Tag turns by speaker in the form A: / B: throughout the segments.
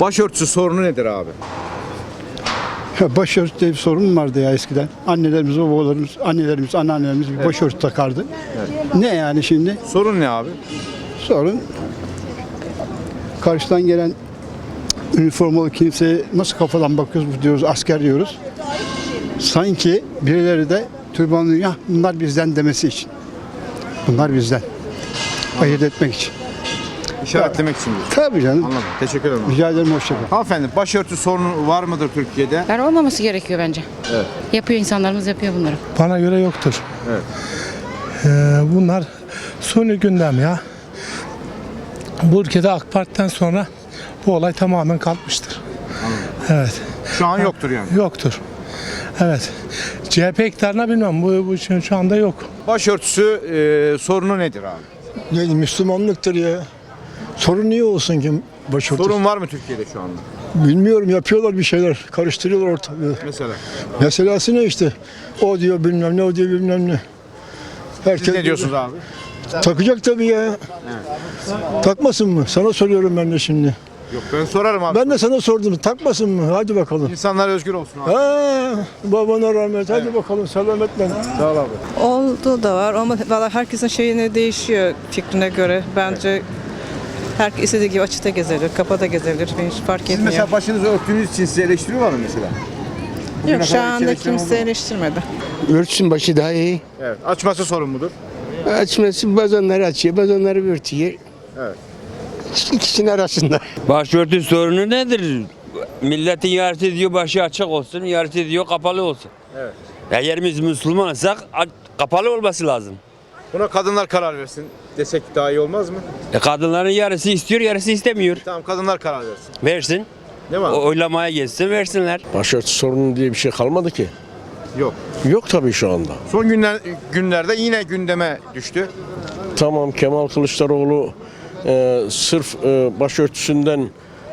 A: Başörtüsü sorunu nedir abi?
B: Ya başörtü diye bir sorun mu vardı ya eskiden? Annelerimiz, babalarımız, annelerimiz, anneannelerimiz bir başörtü takardı. Ne yani şimdi?
A: Sorun ne abi?
B: Sorun karşıdan gelen üniformalı kimseye nasıl kafadan bakıyoruz diyoruz, asker diyoruz. Sanki birileri de türbanlı ya bunlar bizden demesi için. Bunlar bizden. Ayırt etmek için.
A: İşaretlemek için diyorsun.
B: Tabii canım.
A: Anladım. Teşekkür ederim.
B: Rica ederim, hoşça kal.
A: Hanımefendi, başörtü sorunu var mıdır Türkiye'de?
C: Yani olmaması gerekiyor bence.
A: Evet.
C: Yapıyor, insanlarımız yapıyor bunları.
D: Bana göre yoktur.
A: Evet.
D: Bunlar suni gündem ya. Bu ülkede AK Parti'den sonra bu olay tamamen kalkmıştır. Evet.
A: Şu an yoktur yani.
D: Yoktur. Evet. CHP iktidarına bilmem. Bu şu anda yok.
A: Başörtüsü sorunu nedir abi?
E: Yani Müslümanlıktır ya. Sorun niye olsun ki başörtüsü?
A: Sorun var mı Türkiye'de şu anda?
E: Bilmiyorum, yapıyorlar bir şeyler. Karıştırıyorlar ortalığı.
A: Mesela.
E: Meselesi ne işte? O diyor bilmem ne, o diyor bilmem ne. Herkes
A: Siz ne diyorsunuz abi?
E: takacak tabii ya. Takmasın mı? Sana soruyorum ben de şimdi.
A: Yok, ben sorarım abi.
E: Ben de sana sordum. Takmasın mı? Hadi bakalım.
A: İnsanlar özgür olsun abi.
E: Ha, babana rahmet. Hadi bakalım, selametle.
A: Sağ ol abi.
F: Oldu da var ama valla herkesin şeyine değişiyor fikrine göre. Bence herkes istediği gibi açıkta gezilir, kapıda gezilir. Hiç fark
A: Siz
F: etmiyor.
A: mesela başınızı örttüğünüz için sizi eleştiriyorlar mı mesela?
F: Yok, şu
A: kadar
F: anda
A: eleştiren
F: kimse
A: oldu mu?
F: eleştirmedi.
G: Örtsün başı daha iyi.
A: Evet. Açması sorun mudur?
G: Açması bazanları açıyor, bazanları örtüyor.
A: Evet.
G: İkisinin arasında.
H: Başörtü sorunu nedir? Milletin yarısı diyor başı açık olsun, yarısı diyor kapalı olsun.
A: Evet.
H: Eğer biz Müslümansak kapalı olması lazım.
A: Buna kadınlar karar versin desek daha iyi olmaz mı?
H: Kadınların yarısı istiyor, yarısı istemiyor.
A: Tamam, kadınlar karar versin.
H: Versin.
A: Değil mi abi?
H: Oylamaya geçsin, versinler.
I: Başörtü sorunu diye bir şey kalmadı ki.
A: Yok.
I: Yok tabii şu anda.
A: Son günlerde yine gündeme düştü.
I: Tamam, Kemal Kılıçdaroğlu sırf başörtüsünden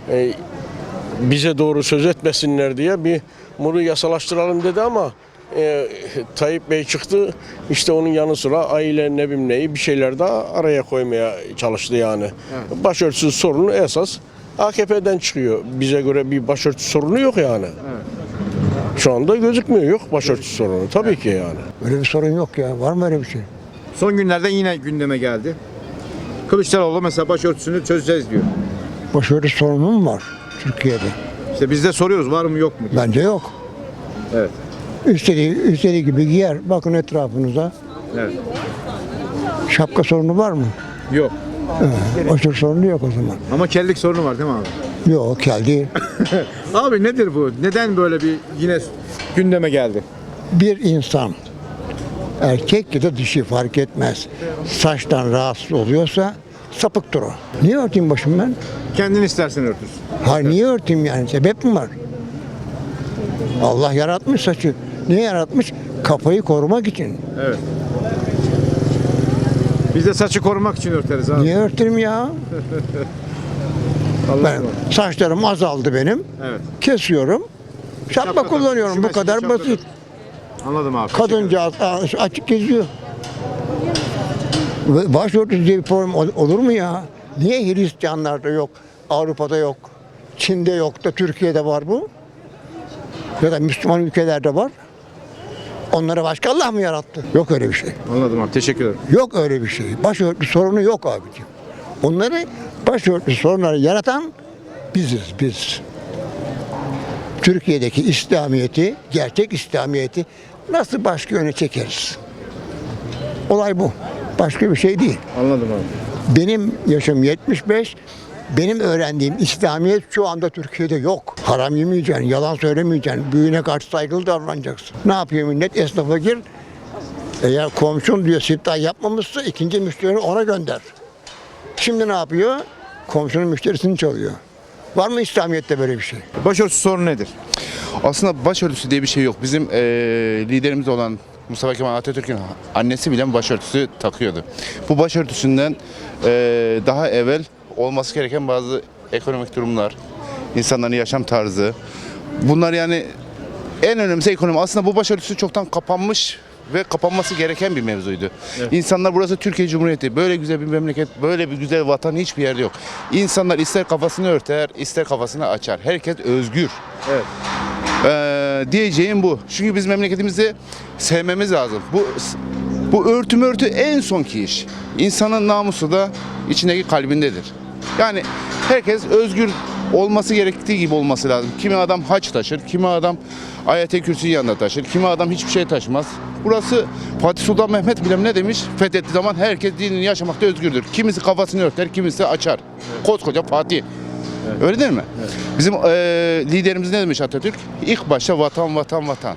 I: bize doğru söz etmesinler diye bunu yasalaştıralım dedi ama Tayyip Bey çıktı, işte onun yanı sıra aile ne bileyim neyi bir şeyler daha araya koymaya çalıştı yani. Evet. Başörtüsü sorunu esas AKP'den çıkıyor. Bize göre bir başörtü sorunu yok yani. Evet. Şu anda gözükmüyor, yok başörtüsü sorunu tabii ki yani.
E: Öyle bir sorun yok ya. Var mı öyle bir şey?
A: Son günlerde yine gündeme geldi. Kılıçdaroğlu mesela başörtüsünü çözeceğiz diyor.
E: Başörtü sorunu mu var Türkiye'de?
A: İşte biz de soruyoruz, var mı yok mu diye.
E: Bence yok.
A: Evet.
E: İstediği gibi giyer. Bakın etrafınıza.
A: Evet.
E: Şapka sorunu var mı?
A: Yok.
E: Başörtü sorunu yok o zaman.
A: Ama kellik sorunu var değil mi abi?
E: Yok, kel değil.
A: Abi nedir bu? Neden böyle bir yine gündeme geldi?
E: Bir insan, erkek ya da dişi fark etmez, saçtan rahatsız oluyorsa sapıktır o. Niye örteyim başımı ben?
A: Kendin istersen örtürsün.
E: Hayır, niye örteyim yani? Sebep mi var? Allah yaratmış saçı. Niye yaratmış? Kafayı korumak için.
A: Evet. Biz de saçı korumak için örteriz abi.
E: Niye örteyim ya?
A: Allah
E: Ben, saçlarım azaldı benim.
A: Evet.
E: Kesiyorum. Şapka
A: Şapka
E: kullanıyorum.
A: tak.
E: Bu kadar
A: Şapka
E: basit.
A: Anladım abi.
E: Kadıncağız açık geziyor. Başörtüsü diye bir problem olur mu ya? Niye Hristiyanlarda yok, Avrupa'da yok, Çin'de yok da Türkiye'de var bu? Ya da Müslüman ülkelerde var. Onları başka Allah mı yarattı? Yok öyle bir şey.
A: Anladım abi. Teşekkür ederim.
E: Yok öyle bir şey. Başörtüsü sorunu yok abiciğim. Onları başörtüsü sorunları yaratan biziz biz. Türkiye'deki İslamiyet'i, gerçek İslamiyet'i nasıl başka yöne çekeriz? Olay bu. Başka bir şey değil.
A: Anladım abi.
E: Benim yaşım 75. Benim öğrendiğim İslamiyet şu anda Türkiye'de yok. Haram yemeyeceksin, yalan söylemeyeceksin, büyüğüne karşı saygılı davranacaksın. Ne yapıyor millet? Esnafa gir. Eğer komşun diyor siftah yapmamışsa ikinci müşterini ona gönder. Şimdi ne yapıyor? Komşunun müşterisini çalıyor. Var mı İslamiyet'te böyle bir şey?
A: Başörtüsü sorunu nedir?
J: Aslında başörtüsü diye bir şey yok. Bizim liderimiz olan Mustafa Kemal Atatürk'ün annesi bile başörtüsü takıyordu. Bu başörtüsünden daha evvel olması gereken bazı ekonomik durumlar, insanların yaşam tarzı. Bunlar yani en önemlisi ekonomi. Aslında bu başörtüsü çoktan kapanmış ve kapanması gereken bir mevzuydu. İnsanlar burası Türkiye Cumhuriyeti. Böyle güzel bir memleket, böyle bir güzel vatan hiçbir yerde yok. İnsanlar ister kafasını örter, ister kafasını açar. Herkes özgür.
A: Evet.
J: Diyeceğim bu. Çünkü biz memleketimizi sevmemiz lazım. Bu örtü en sonki iş. İnsanın namusu da içindeki kalbindedir. Yani herkes özgür olması gerektiği gibi olması lazım. Kimi adam haç taşır, kimi adam Ayet-i Kürsü'yü yanında taşır, kimi adam hiçbir şey taşımaz. Burası Fatih Sultan Mehmet bile ne demiş? Fethettiği zaman herkes dinini yaşamakta özgürdür. Kimisi kafasını örter, kimisi açar. Koskoca Fatih. Öyle değil mi? Bizim liderimiz ne demiş Atatürk? İlk başta vatan, vatan, vatan.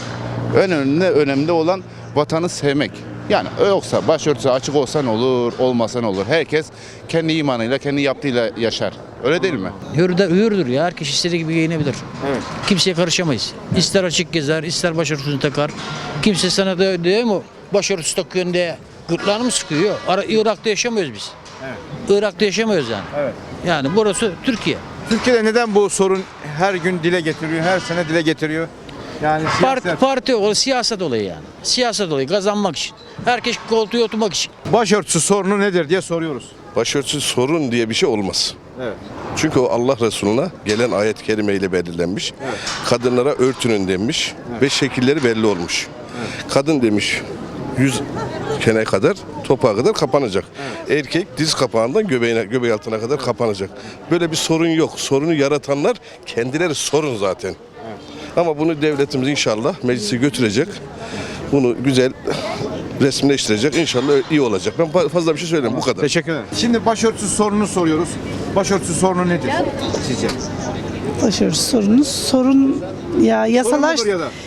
J: Önemli olan vatanı sevmek. Yani yoksa başörtüsü açık olsa ne olur, olmasa ne olur. Herkes kendi imanıyla, kendi yaptığıyla yaşar. Öyle değil mi?
K: Hürdür ya. Herkes istediği gibi giyinebilir.
A: Evet.
K: Kimseye karışamayız. İster açık gezer, ister başörtüsünü takar. Kimse sana da diyor mu başörtüsü takıyorsun diye gırtlağını mı sıkıyor? Irak'ta yaşamıyoruz biz.
A: Evet.
K: Irak'ta yaşamıyoruz yani.
A: Evet.
K: Yani burası Türkiye.
A: Türkiye'de neden bu sorun her gün dile getiriyor, her sene dile getiriyor? Yani
K: Parti olayı, siyaset olayı yani. Siyaset olayı kazanmak için. Herkes koltuğa oturmak için.
A: başörtüsü sorunu nedir diye soruyoruz.
L: Başörtüsü sorun diye bir şey olmaz.
A: Evet.
L: Çünkü o Allah Resulü'ne gelen ayet-i kerimeyle belirlenmiş.
A: Evet.
L: Kadınlara örtünün demiş ve şekilleri belli olmuş. Kadın demiş 100 kene kadar, topağa kadar kapanacak. Erkek diz kapağından göbeği altına kadar kapanacak. Böyle bir sorun yok. Sorunu yaratanlar kendileri sorun zaten. Ama bunu devletimiz inşallah meclise götürecek. Bunu güzel resimleştirecek. İnşallah iyi olacak. Ben fazla bir şey söyleyeyim. Bu kadar.
A: Teşekkür ederim. Şimdi başörtüsü sorununu soruyoruz. Başörtüsü sorunu nedir sizce?
F: Başörtüsü sorun ya
A: Sorun mudur ya da?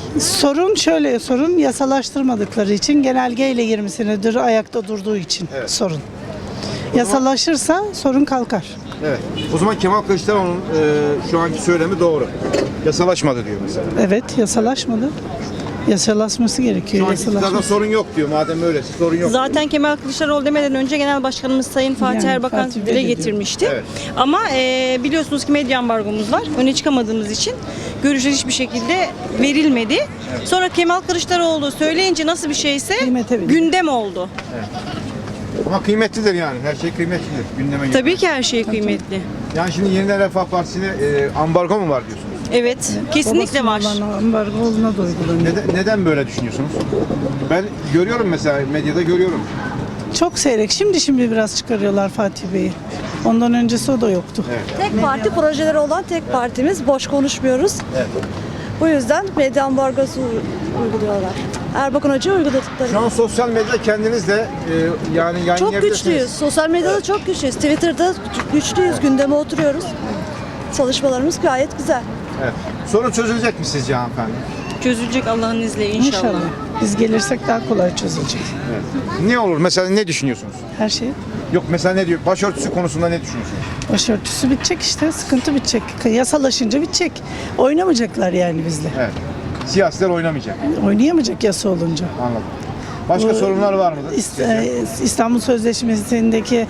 F: sorun yasalaştırmadıkları için genelgeyle 20 senedir ayakta durduğu için sorun. Yasalaşırsa sorun kalkar.
A: Evet. O zaman Kemal Kılıçdaroğlu'nun şu anki söylemi doğru. Yasalaşmadı diyor mesela.
F: Evet, yasalaşmadı. Yasalaşması gerekiyor.
A: Şu anki iktidarda sorun yok diyor. Madem öyle sorun yok.
M: Zaten Kemal Kılıçdaroğlu demeden önce Genel Başkanımız Sayın Fatih
F: Yani
M: Erbakan
F: Fatih Bey
M: dile
F: de diyor.
M: getirmişti.
A: Evet.
M: Ama biliyorsunuz ki medya ambargomuz var. Öne çıkamadığımız için görüşler hiçbir şekilde verilmedi. Sonra Kemal Kılıçdaroğlu söyleyince nasıl bir şeyse
F: Kıymete bindi.
M: gündem oldu.
A: Ama kıymetlidir yani. Her şey kıymetlidir. Gündeme gelir.
M: Tabii ki her şey kıymetli.
A: Yani şimdi Yeniden Refah Partisi'ne ambargo mu var diyorsunuz?
M: Evet, kesinlikle var.
F: Ambargo olduğuna da uygulanıyor.
A: Neden böyle düşünüyorsunuz? Ben görüyorum mesela medyada görüyorum.
F: Çok seyrek. Şimdi biraz çıkarıyorlar Fatih Bey'i. Ondan öncesi o da yoktu.
M: Tek parti projeleri olan tek partimiz. Boş konuşmuyoruz. Bu yüzden medya ambargosu uyguluyorlar. Erbakan Hoca uyguladıkları.
A: Şu an sosyal medyada kendiniz de yani
M: Çok
A: yayınlayabilirsiniz.
M: güçlüyüz. Sosyal medyada çok güçlüyüz. Twitter'da güçlüyüz. Gündeme oturuyoruz. Çalışmalarımız gayet güzel.
A: Evet. Sorun çözülecek mi sizce hanımefendi?
M: Çözülecek Allah'ın izniyle inşallah.
F: İnşallah. Biz gelirsek daha kolay çözülecek.
A: Ne olur? Mesela ne düşünüyorsunuz?
F: Her şey.
A: Yok mesela ne diyor? Başörtüsü konusunda ne düşünüyorsunuz?
F: Başörtüsü bitecek işte. Sıkıntı bitecek. Yasalaşınca bitecek. Oynamayacaklar yani bizle.
A: Evet. Siyasiler oynamayacak.
F: Oynayamayacak yasa olunca.
A: Anladım. Başka sorunlar var mıdır?
F: İstanbul Sözleşmesi'ndeki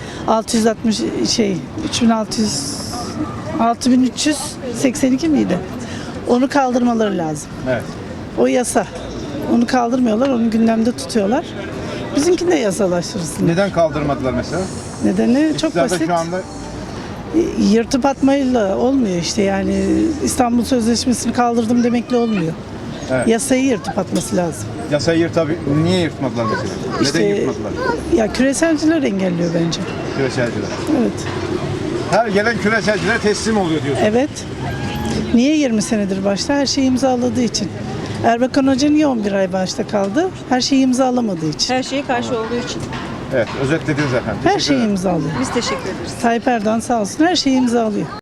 F: 6382 miydi? Onu kaldırmaları lazım.
A: Evet.
F: O yasa. Onu kaldırmıyorlar, onu gündemde tutuyorlar. Bizimkini de yasalaştırsın.
A: Neden kaldırmadılar mesela?
F: Nedeni çok
A: İktidarda
F: basit.
A: şu anda
F: Yırtıp atmayla olmuyor işte yani İstanbul Sözleşmesi'ni kaldırdım demekle olmuyor.
A: Evet.
F: Yasayı yırtıp atması lazım.
A: yasayı niye yırtmadılar mesela?
F: İşte-
A: Neden yırtmadılar?
F: Ya küreselciler engelliyor bence.
A: Küreselciler.
F: Evet.
A: Her gelen küreselcilere teslim oluyor diyorsun.
F: Evet. Niye 20 senedir başta? Her şeyi imzaladığı için. Erbakan Hoca niye 11 ay başta kaldı? Her şeyi imzalamadığı için.
M: Her şeye karşı olduğu için.
A: Evet, özetlediniz efendim.
F: Her
A: Teşekkür
F: şeyi
A: ederim.
F: imzalıyor.
M: Biz teşekkür ederiz.
F: Tayyip Erdoğan sağ olsun her şeyi imzalıyor.